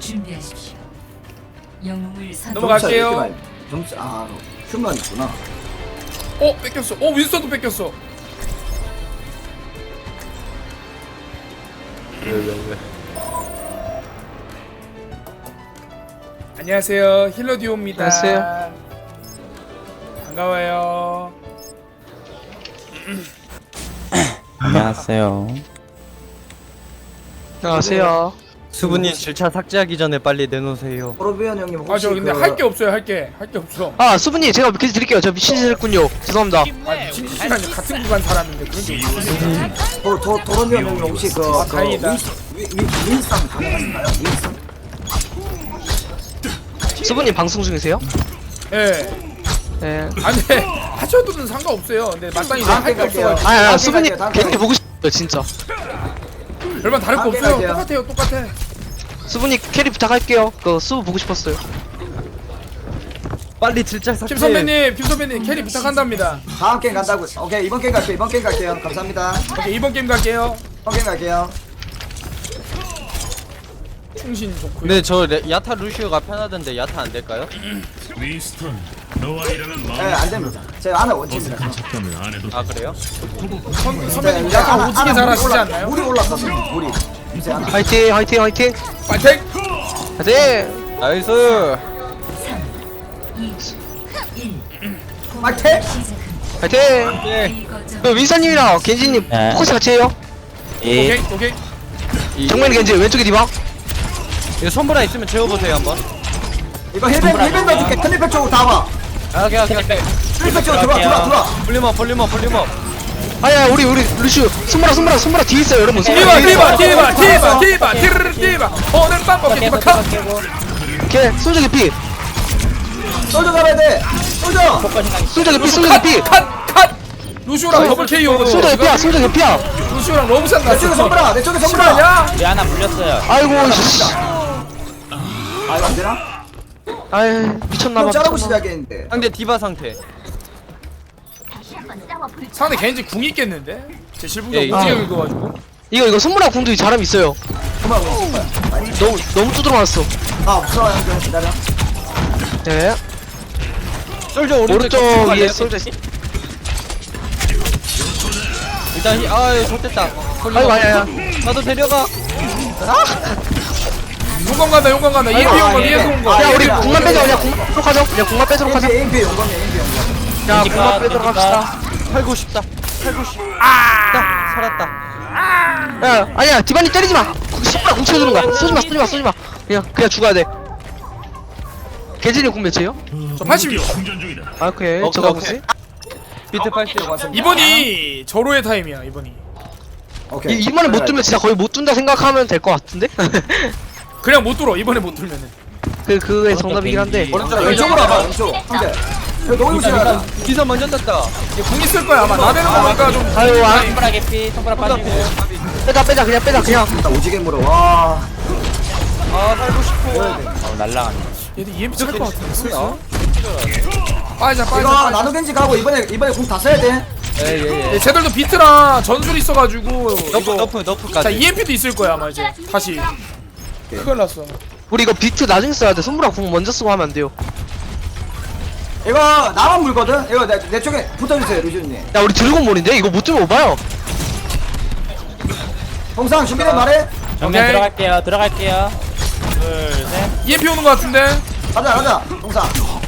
준비하십시오. 영웅을 넘어갈게요. 점수 큐만 있구나. 뺏겼어. 윈스턴도 뺏겼어. 왜? 안녕하세요. 힐러디오입니다. 안녕하세요. 반가워요. 안녕하세요. 안녕하세요. 수분님 질차 삭제하기 전에 빨리 내놓으세요. 포로비언 형님 혹시 저 근데 할 게 없어요. 할 게 없어. 수분님 제가 몇 개 드릴게요. 저 미친 짓 했군요. 죄송합니다. 미친 시간에 같은 구간 살았는데 그런 게 있어. 도로비언 형님 혹시 다행이다. 윈스턴 가능하신가요? 윈스턴? 수분님 방송 중이세요? 예. 네. 아니 하셔도는 상관없어요. 근데 마땅히 다음 할 게 갈게요. 없어가지고. 아니 수분님 갈게요, 다음 괜히 보고 싶어요 진짜. 별반 다를 거 다음 없어요. 갈게요. 똑같아. 수분님 캐리 부탁할게요. 그 수분 보고 싶었어요. 빨리 질차 삭제. 김 선배님 캐리 부탁한답니다. 다음 게임 간다고. 오케이 이번 게임 갈게요. 감사합니다. 오케이, 이번 게임 갈게요. 이번 게임 갈게요. 충신 좋고요. 근데 저 야타 루시오가 편하던데 야타 안 될까요? 윈스턴, 너와 일하는 마음 안 됩니다. 제가 하나 원칙입니다. 착함을 안 해도 아 그래요? 선배님 네, 약간 오지게 잘하시지 않나요? 물이 올랐었어요. 물이. 이제 하나. 화이팅 화이팅 화이팅 파이팅! 화이팅. 나이스. 3, 2, 1. 파이팅! 화이팅. 예. 그 윈사님이랑 겐지님 포커스 같이 해요. 오케이. 정면 겐지 왼쪽에 디바. 이거 손보라 있으면 재워보세요 한번. 이거 힐밴 넣어줄게. 클리백 쪽으로 다 와. 오케이. 클리백 쪽으로 들어와. 볼륨업. 아야 우리 루슈 손보라 뒤에 있어요 여러분. 디바 오늘 밤 먹게 디바 카! 걔 솔저 개피. 솔져 잡아야 돼. 솔저 개피. 컷! 루시오랑 더블 KO 솔저 개피야. 루시오랑 러브샷 내 쪽에 났어. 내 쪽에 선브라. 야 우리 하나 물렸어요. 아이고 씨. 이거 안 되나? 아이 좀 미쳤나봐. 자르고 시작했는데. 상대 디바 상태. 상대 겐지 궁 있겠는데? 제 실부가 예, 오지게 아. 긁어가지고 이거 손보라 궁도 잘함 있어요. 그만 먹을 거야. 너무 두드러 맞았어. 없어 형 기다려. 네. 솔저 오른쪽 쭉 위에 갈래요? 솔저. 일단 아유 좋됐다. 아이고 아니야. 나도 데려가. 용광 간다 EMP 용광 야 우리 궁만 빼자 그냥 궁만 빼도록 하죠. 그냥 궁만 빼도록 하자. AMP 용감해. 야 궁만 빼도록 합시다. 살고 싶다. 살았다. 야 아니야 디바니 때리지 마. 손보라 궁 쳐주는 거야. 쏘지 마. 그냥 죽어야 돼. 개진이 궁 몇이에요? 저 80이요 충전 중이다. 아 오케이. 오케이, 저거 오케이. 보지. 비트 80. 이번이 절호의 타임이야 이번이. 오케이. 이번에 못 뚫면 진짜 거의 못 뚫는다 생각하면 될 것 같은데? 그냥 못 뚫어 이번에 못 뚫면은. 그게 정답이긴 한데. 왼쪽으로 와봐. 왼쪽. 상대. 여기 너무 무시하다. 기사 먼저 떴다. 이게 궁 있을 거야 아마 나대는 거 보니까 좀. 아유 아 손보라 개피. 손보라 빠지고. 빼자 그냥. 나 오지게 물어. 와. 아 살고 싶어. 얘들 EMP 쓸 거 같은데 슬슬. 빠이자. 이거 나노겐지 가고 이번에 공 다 써야 돼. 예예예. 쟤들도 비트랑 전술 있어가지고 이거 너프까지. 자 EMP도 있을 거야 아마 이제 다시. 큰일 났어. 우리 이거 비트 나중에 써야 돼. 손보라 궁 먼저 쓰고 하면 안 돼요. 이거 나만 물거든. 이거 내 쪽에 붙어주세요 루시님. 야 우리 드래곤볼인데 이거 못 뚫으면 오바요. 동상 준비된 말해. 정면 들어갈게요. EMP 오는 거 같은데. 가자. 동상.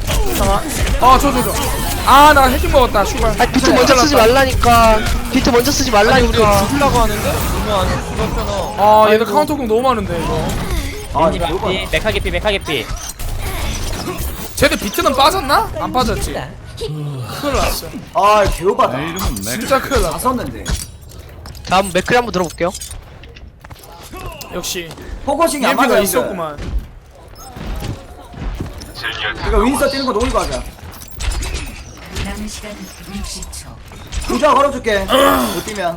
나 해킹 먹었다 슈발. 아 비트 먼저 쓰지 말라니까. 비트 먼저 쓰지 아니 우리 말라니까. 죽으려고 하는데? 너무 안 죽었잖아. 얘들 카운터공 너무 많은데 이거. 이거 메카게피. 쟤들 비트는 빠졌나? 안 빠졌지. 큰일 났어. 개오바다. 진짜 큰일 다 났어. 썼는데. 다음 맥크리 한번 들어볼게요. 역시 포커싱이 안 EMP가 맞아. 있었구만. 이거 윈서 뛰는 거 노리고 하자. 남은 시간 60초. 부자 걸어줄게. 못 뛰면.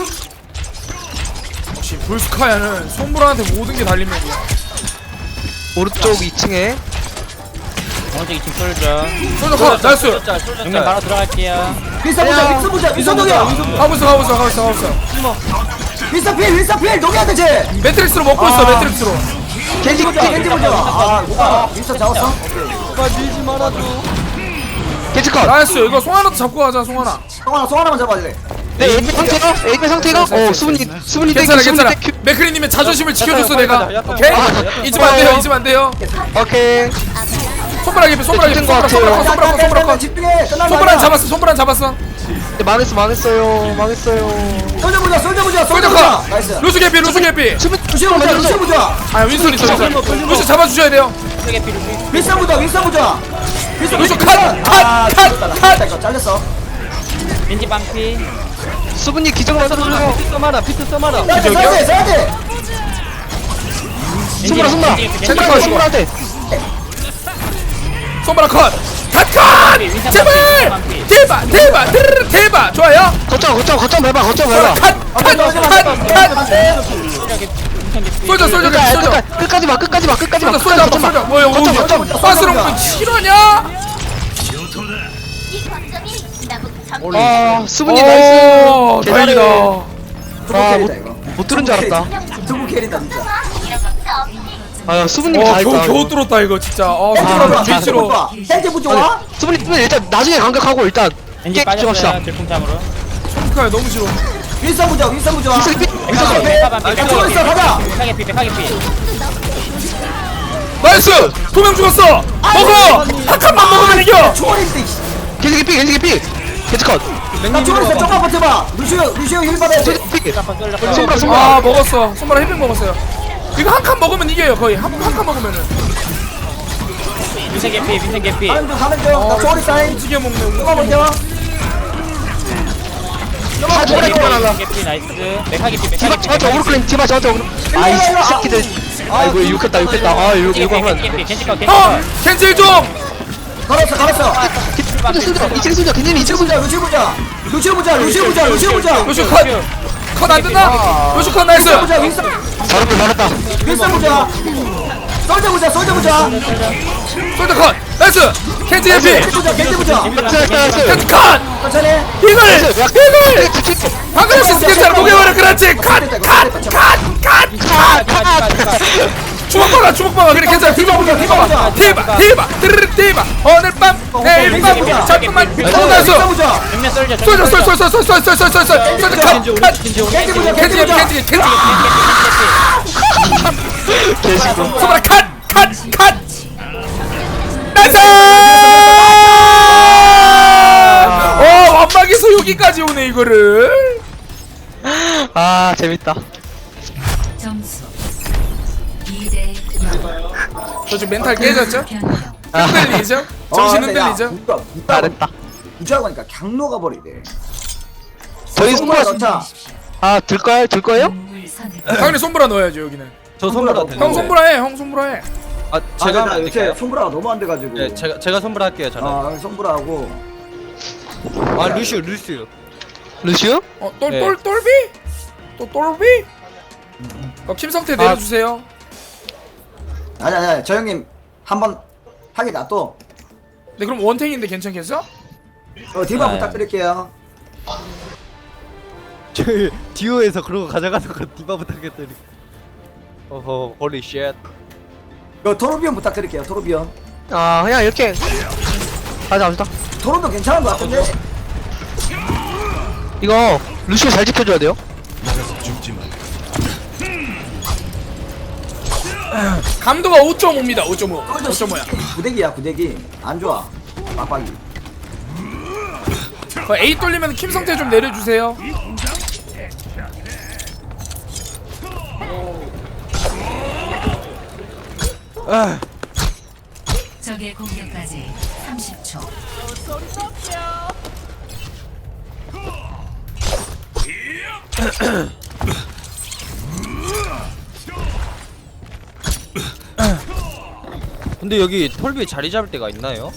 역시 불스카야는 손보라한테 모든 게 달린 맵이야. 오른쪽 2층에. 오른쪽 2층 솔져. 솔저 컷 나이스. 정면 바로 들어갈게요. 윈서 보자. 윈서 녹여. 가고 있어. 윈서 필 녹여야 돼 쟤. 매트릭스로 먹고 있어 매트릭스로. 겐지 보자 겐지 보자. 아 뭐가 윈스턴 잡았어? 누가 밀지 말아줘. 겐지 컷. 나이스. 이거 송하나도 잡고 가자 송하나. 송하나만 잡아줄래? 네 AP 상태가 AP 상태가 수분이 괜찮아 땡큐, 괜찮아. 수분이 땡큐. 맥크리님의 자존심을 지켜줬어 야타, 내가. 야타, 야타. 오케이. 아, 잊으면 안 돼요 잊으면 안 돼요. 오케이. 손가락 입에 손가락 입에 것 같아요. 손가락 컷. 집중해. 끝난 거 손가락 아니야. 잡았어 손가락 잡았어. 네, 망했어요. 솔져 보자 솔져 보자 솔저 솔져 보자. 컷. 나이스. 루스 개피 루스 개피. 수분 루시오 보자 루시오 보자. 아 윈선 있어 윈선. 루스 잡아주셔야 돼요. 윈스턴 보자 윈스턴 보자. 루스 컷. 이거 잘렸어. 겐지 방피. 수분이 기적 만들어줘요. 피트 써마라. 피트 써마라. 써야 돼. 수분아. 컷. 수분한테. 손가락 컷. 컷. 제발. 대박. 좋아요. 거점 밟아. 컷. 솔저 끝까지 마. 솔저. 뭐야 거점. 빠스런 실화냐? 아 수분이 나이스. 오 다행이다. 못 들은 줄 알았다. 두부 캐리다 진짜. 아 수분님이 다 했다. 겨우 뚫었다 이거 진짜. 손가락 뒤치로. 땡제 부 좋아? 수분님 일단 나중에 간격하고 일단 겐지 게임 집중합시다. 빠졌어요. 질풍참으로. 손가락 너무 싫어. 윈스턴 보자 윈스턴 보자. 윈스턴 메카 반피. 죽어 있어 가자. 메카게피. 나이스. 2명 죽었어. 먹어. 한 칸만 먹으면 이겨. 초월인데. 겐지 피 겐지 컷. 나 초월했어 조금만 버텨봐. 루시오 힐 받아야 돼. 손가락 아 먹었어. 손가락 힐백 먹었어요. 이거 한 칸 먹으면 이겨요 거의. 한 칸 먹으면은. 민생 개피. 가는 중. 나 초월이 사인. 움직여 먹네. 조금만 버텨. 다 죽어라 이거나. 개피 나이스. 메카게피. 디바 저한테 오르클린 디바 저한테 오르. 아이 새끼들. 아이고 욕했다. 아 이거 하면. 겐지 컷. 캔슬 좀. 걸었어. 이층 수저 겐지님 이층 수저. 루시오 보자. 루슈 컷. 컷 안 된다. 루슈 컷 나이스. 보자 윈스턴. 잘했다. 윈스턴 보자. 솔져 보자. 솔더 컷. 나이스. 캔슬 해피. 겐지 보자. 캔슬 컷. 천천히. 이걸. 방금 시스템 목에버려 그렇지. 컷. 주먹박아 그래 괜찮아. 디바 대박 오늘 밤 내일 밤 잠깐만 나이스. 윈스턴 보자. 정면 쏠져. 캔슬 개시고. 소바라 컷 나이스. 완막에서 여기까지 오네 이거를. 아 재밌다. 점수 2대 0. 저 지금 멘탈 깨졌죠? 변형. 흔들리죠? 정신 흔들리죠? 잘했다. 우주하고 하니까 강로가 버리네. 저희 손가락 넣자. 들 거예요? 영웅을 선택. 당연히 손보라 넣어야죠 여기는. 저 손보라 형 형 손보라 해. 형 손보라 해. 아 제가 제가 요새 할게요. 손브라가 너무 안 돼가지고. 네, 제가 손보라 할게요. 저는. 손브라하고. 아 루시오. 루시오? 똘비? 또 똘비? 김성태 내려주세요. 아니 저 형님 한번 하게 놔둬. 네 그럼 원탱인데 괜찮겠어? 디바 네. 부탁드릴게요. 저희 듀오에서 그런 거 가져가는 거 디바 부탁했더니. 어허 홀리 쉣. 토르비온 부탁드릴게요. 토르비온. 아 그냥 이렇게 가자. 토르도 괜찮은 것 같은데. 이거 루시오 잘 지켜줘야 돼요. 감도가 5.5입니다. 5.5야. 구대기 안 좋아. 빡빡이. A 돌리면 김성태 좀 내려주세요. 적의 공격까지 30초. 근데 여기 톨비 자리 잡을 때가 있나요?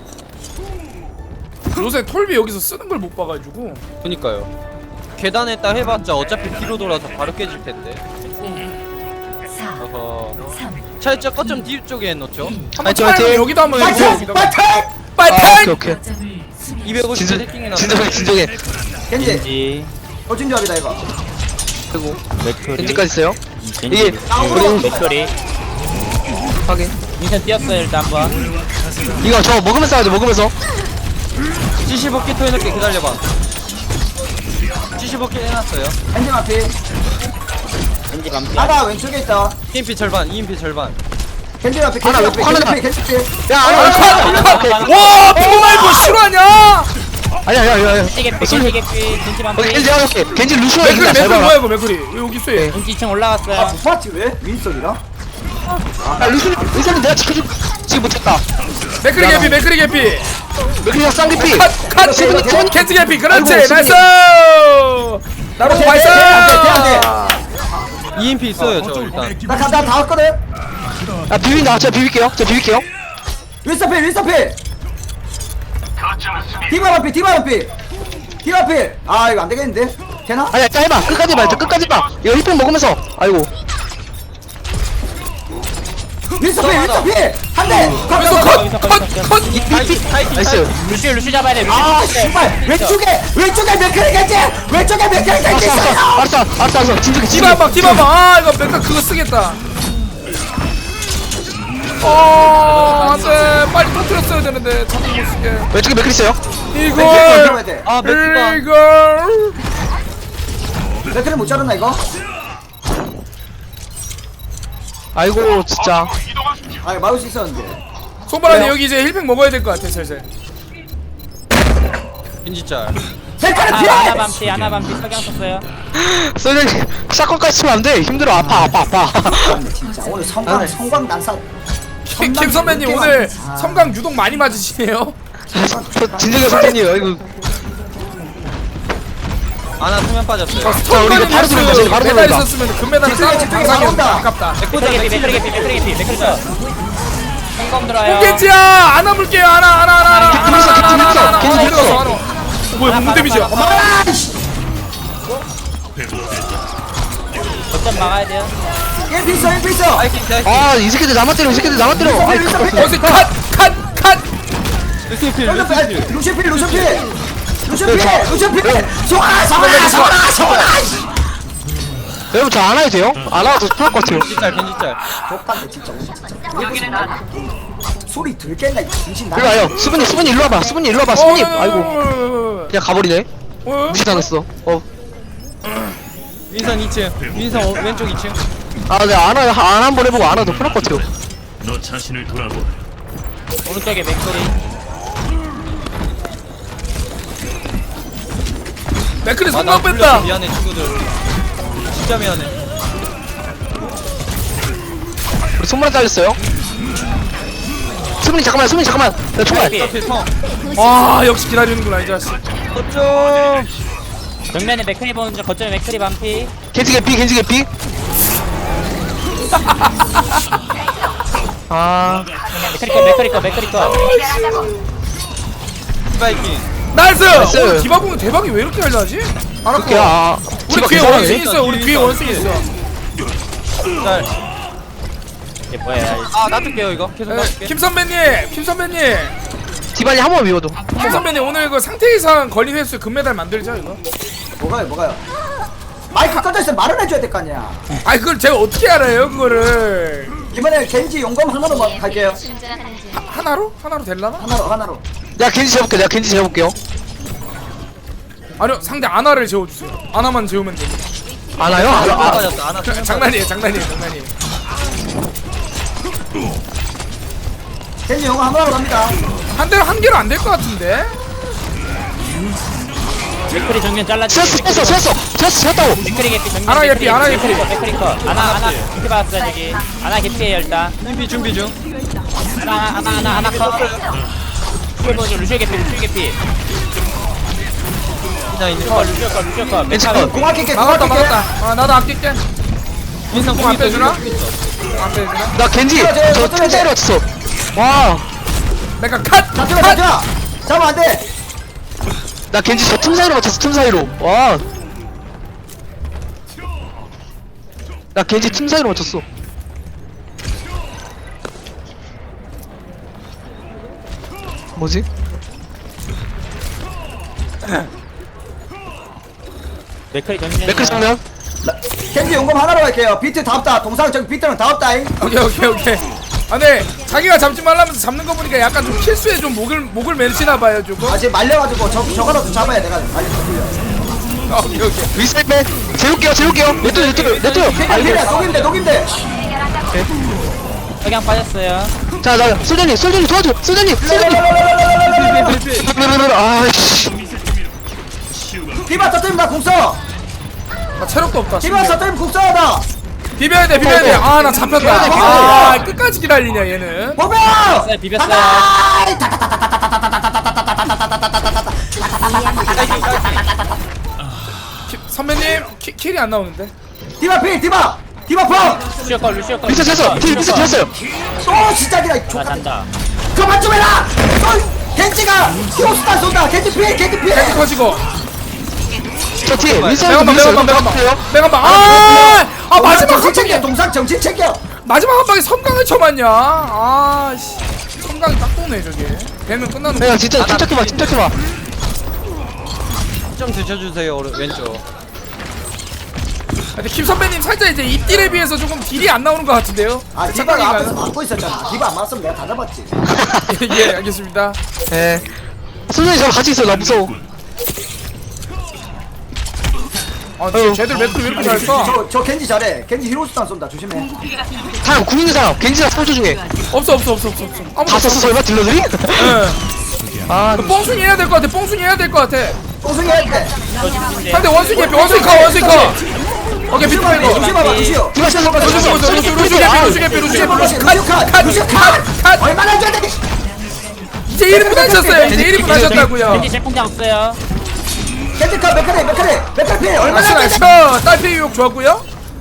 요새 톨비 여기서 쓰는 걸 못 봐가지고. 그니까요. 계단에 딱 해봤자 어차피 뒤로 돌아서 바로 깨질 텐데. 4, 어허. 3, 차라리 거점 뒤쪽에 놓죠. 한번 차라리 여기도 한번 해주세요. 여기도. 아, 빨리. 오케이. 거점을 수비. 250 해킹이 나왔어. 진정해. 겐지. 겐지. 조합이다 이거. 그리고 맥토리. 겐지까지 있어요. 겐지. 이게 우리 맥토리. 확인. 윈선 뛰었어요 일단 한번. 이거 저 먹으면서 하자, 먹으면서. 75개 토해놓게 기다려봐 75개 해놨어요 엔진 앞이. 겐지 반피. 하나 왼쪽에 있다. EMP 절반 EMP 절반 겐지 앞에 하나 겐지 앞에 왼쪽 하나 겐지 앞에 겐지 앞에. 야, 와 정말 뭐 실화냐? 아니야. 겐지 개피 겐지 개피 겐지 반피. 겐지 내가 볼게. 겐지 루시오 맥크리 이기다 잘 맥크리 봐라. 뭐야 이거 맥크리 왜 여기 있어 얘? 겐지 2층 올라갔어요. 못 봤지 왜? 윈스턴이랑? 야, 루시오는 내가 지금 못했다. 맥크리 개피 맥크리 개피 맥크리랑 쌍기피. 컷 세븐 캔트 개피 그렇지 아이고, 나이스 나로 돼, 발사 돼, EMP 있어요 저 일단 나다 왔거든. 야, 비빈다. 제가 비빌게요. 윈스턴 필 윈스턴 필. 디바 앞에 디바 앞에. 디바 앞에. 아 이거 안 되겠는데? 되나? 아니야, 자 해봐. 끝까지 봐. 끝까지 봐. 이거 힙팩 먹으면서. 아이고. 윈스턴 필 윈스턴 필. 한 대. 컷 나이스. 루시 잡아야 돼. 루시. 아 씨발 왼쪽에 맥크리 겐지 왼쪽에 맥크리 겐지 있어요. 알았어. 진정해. 디바봐 아 이거 맥카 그거 쓰겠다 안돼 빨리 터뜨렸어야 되는데 자꾸 못 쓰게 왼쪽에 맥크리 있어요. 이걸 돼. 아 맥주가 이걸 맥크리 못 자르나 이거? 아이고, 진짜. 아 이거 막을 수 있었는데. 손바닥에 여기 이제 힐팩 먹어야 될 것 같아 슬슬 겐지짤 맥크리 하나 피해. 반피 하나 반피 석양 썼어요. 소장님, 샷건까지 치면 안 돼. 힘들어. 아파. 진짜 오늘 성광 난사. 김 선배님 오늘 성강 유독 많이 맞으시네요 진정해, 선생님. 아이고. 아나 수면 빠졌어요 자, 우리 이거 바로 들어가자. 바로 메달 들어가자. 있었으면 금메달은 싸우고 집중해, 당상이었다 나온다. 아깝다 맥크리 개피 맥크리 쳐. 성검 들어요. 뽕겐지야 안아 물게요 안아 겐지 들어가서 안아 뭐야 뭔 데미지야 거점 막아야 돼요. 일피 있어. 아, 이 새끼들 나만 때려. 아이, 거기서 컷 루시필. 여러분, 저 안 해도 돼요? 안 해도 편할 것 같아요. 겐지짤 족같네 진짜. 소리 들겠나 이 정신 나. 일로 와요. 수분이 일로 와봐. 수분이. 아이고. 그냥 가버리네. 무시당했어. 윈선 2층 윈선 왼쪽 2층 아, 내가 안 한 번 해보고 안 해도 편할 것 같아요. 너 자신을 돌아보. 오른쪽에 맥크리. 맥크리 아나 손목 뺐다 미안해 친구들 진짜 미안해 우리 손만 잘렸어요. 수분이 잠깐만. 나 총알. 개피. 앞에 성 와 역시 기다리는구나 이 자식 어쩜 정면에 맥크리 보는 중 거점에 맥크리 반피. 겐지 개피. 아, 맥크리 거. 스파이킹 나이스! 나이스. 오늘 디바공은 대박이 왜 이렇게 잘나지? 그렇게, 아. 우리 뒤에 디바 원숭이 괜찮아요. 있어 우리 뒤에 원숭이 있어 짤 이게 뭐야? 아 놔둘게요 이거 계속 놔둘게 김 선배님 디바니 한 번 미워도. 김 선배님 오늘 그 상태 이상 걸린 횟수 금메달 만들자 이거 뭐가요? 마이크 꺼져 있으면 말을 해줘야 될 거 아니야. 아니 그걸 제가 어떻게 알아요 그거를 이번에 겐지 용검 하나로 갈게요. 하나로? 하나로 될라나? 하나로. 내가 겐지 재볼게요. 아니요 상대 아나를 재워주세요 아나만 재우면 돼 안 와요? 수면 빠졌어 아나 수면 장난이에요 겐지 용검 하나로 갑니다. 한 개로 안 될 것 같은데? 맥크리 정면 잘라주세요. 쳤다고. 맥크리 개피 정면. 하나 개피, 하나 개피. 맥크리 거. 하나 개피 봤어요 저기. 하나 개피에요 일단. 준비 중 하나 컷. 루시오 개피. 그냥 있는 루시오 컷. 겐지 맥크리 컷. 공 아낄게. 막았다 아 나도 아낄게 윈선 공 안 빼주나? 안 빼주나? 나 겐지 저 틈사이로 맞췄어. 와, 내가 컷! 잡아. 잡아 안 돼. 나 겐지 저 틈사이로 맞췄어. 틈사이로. 와, 나 겐지 틈사이로 맞췄어. 뭐지? 맥크리 정면. 맥클 정면. 겐지 용검 하나로 갈게요. 비트 다 없다. 동상 저기 비트는 다 없다잉. 오케이 아, 네. 자기가 잡지 말라면서 잡는 거 보니까 약간 좀 실수에 좀 목을 매시나 봐요, 조금. 아 지금 말려가지고 저거라도 잡아야 내가 말려. 오케이, 오케이. 윗살빼 재울게요 냅둬요 아 이래 녹인데. 석양 빠졌어요. 자 솔전님 도와줘 솔전님 아이씨 디바 터뜨리면 나 궁써. 나 체력도 없다. 디바 터뜨리면 궁써하다. 비벼야 돼, 비벼야 돼. 아, 나 잡혔다. 아, 끝까지 기다리냐, 얘는. 보고. 비볐어요. 선배님, 킬이 안 나오는데. 디바 필 디바 펑. 루시오 걸 루시오 걸. 미쳐 쳤어 미쳐 쳤어요 또 시작이다 이 아 족같은. 잔다. 그만 좀 해라. 겐지가 히로스탄 쏜다. 겐지 피해. 캔디 커지고. 저 뒤에 매간방, 윗살도 매간방. 아, 마지막 한 정신 챙겨. 방에, 동상 정신 챙겨. 마지막 한 방에 섬광을 쳐맞냐? 아, 씨. 섬광이 딱 도네, 저게. 되면 끝나는 거야. 야 진짜 침착해봐 좀 드셔주세요 왼쪽. 근데 김 선배님 살짝 이제 입딜에 비해서 조금 딜이 안 나오는 것 같은데요? 아 디바가 앞에서 착각인가요? 막고 있었잖아. 디바 안 맞으면 내가 다 잡았지. 예, 알겠습니다. 예 솔전님 저랑 같이 있어 나 무서워 아, 쟤들 매트 왜 이렇게 잘 써? 저 겐지 잘해. 겐지 히로스탄 쏜다. 조심해. 사람 궁 있는 사람 겐지랑 솔저 중에 없어. 아무도 다 썼어 설마 딜러들이? 예. 아 뽕순이 해야 될 것 같아. 뽕순이 해야 될 것 같아. 뽕숭이 할 때. 상대 원숭이 해피, 원숭이 커. 오케이, 비트 이거. 루시 봐봐 루시오. 디바 샷 루시 개피. 컷. 얼마나 줘야 돼? 이제 1분 하셨어요. 이제 1분 하셨다고요. 겐지 제품장 없어요. 겐지 컷 메카리 필 얼마나 줘야 나이스. 돼? 딸피 유혹 좋았고요.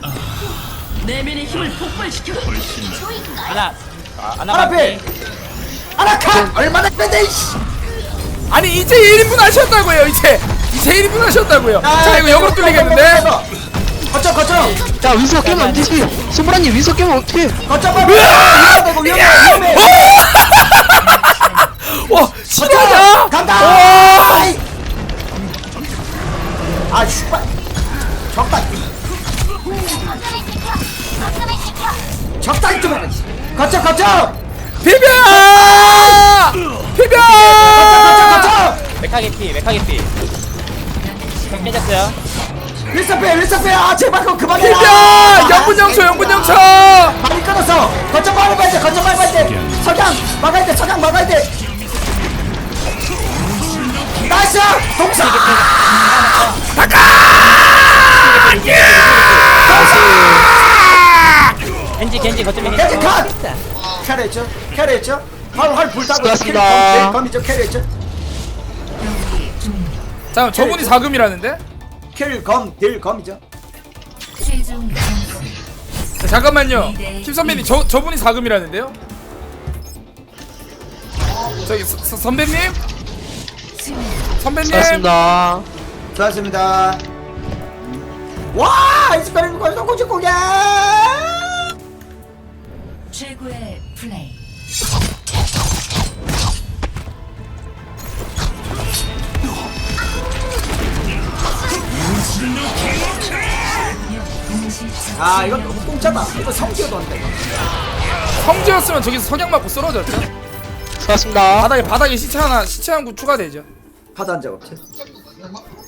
하나. 하나 필. 하나 컷 얼마나 줘야 돼? 이씨. 아니, 이제 1분 하셨다고요. 이제 1분 하셨다고요. 자, 이거 역으로 뚫리겠는데. 거점. 자 윈서 깨면 안 되지 손보라님 윈서 깨면 어떡해 거점 봐. 위험해. 와, 실화냐? 간다. 와. 아이. 아 슈발. 적당히 좀 해. 거점. 비벼! 메카 개피. 백 깨졌어요. 윌서페. 아 제발 그거 그만해라. 비벼! 영분영초. 많이 끊었어. 거점 막아야 돼. 석양 막아야 돼. 나이스. 동사. 겐지 거점에 겐지 컷. 캐리했죠. 활 불타고. 수고하셨습니다. 검이죠. 캐리했죠. 자, 저분이 4금이라는데? 검이죠. 최종 점수 자, 잠깐만요. 김 선배님, 저분이 4금이라는데요? 저기 선배님? 선배님? 수고하셨습니다. 와, 이스카리는 거기서 고집고개. 최고의 플레이. 아, 이건 너무 공짜다. 이거 성기어도 안 돼. 성지였으면 저기서 석양 맞고 쓰러졌죠? 수고하셨습니다 바닥에 시체 한 구 추가되죠. 파도 한 적 없지.